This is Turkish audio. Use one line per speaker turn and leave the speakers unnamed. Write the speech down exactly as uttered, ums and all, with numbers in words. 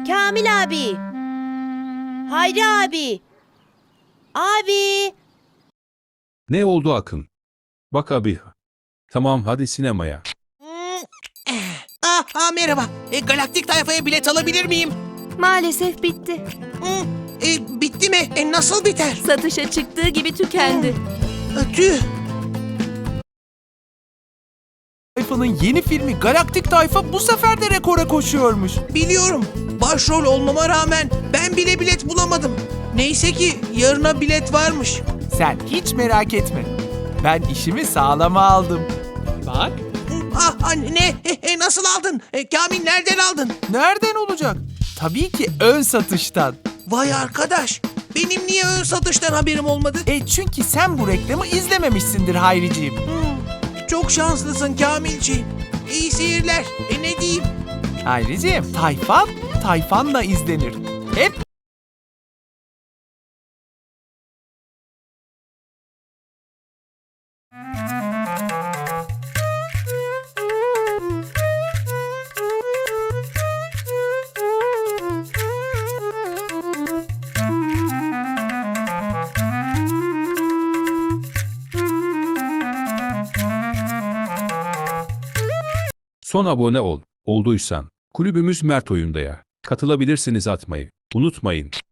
Kamil abi. Hayri abi. Abi.
Ne oldu Akın? Bak abi. Tamam hadi sinemaya.
Ah, ah merhaba. E, Galaktik Tayfa'ya bilet alabilir miyim?
Maalesef bitti.
Hı, e, bitti mi? E, nasıl biter?
Satışa çıktığı gibi tükendi.
E, tüh.
Tayfa'nın yeni filmi Galaktik Tayfa bu sefer de rekora koşuyormuş.
Biliyorum. Başrol olmama rağmen ben bile bilet bulamadım. Neyse ki yarına bilet varmış.
Sen hiç merak etme. Ben işimi sağlama aldım. Bak.
Ah anne, e, e, nasıl aldın? E, Kamil nereden aldın?
Nereden olacak? Tabii ki ön satıştan.
Vay arkadaş. Benim niye ön satıştan haberim olmadı?
E çünkü sen bu reklamı izlememişsindir Hayriciğim.
Hmm, çok şanslısın Kamilciğim. İyi seyirler. E ne diyeyim?
Hayriciğim, Tayfan, Tayfan'la izlenir. Hep
Son abone ol. Olduysan. Kulübümüz Mert Oyunda'ya. Katılabilirsiniz atmayı. Unutmayın.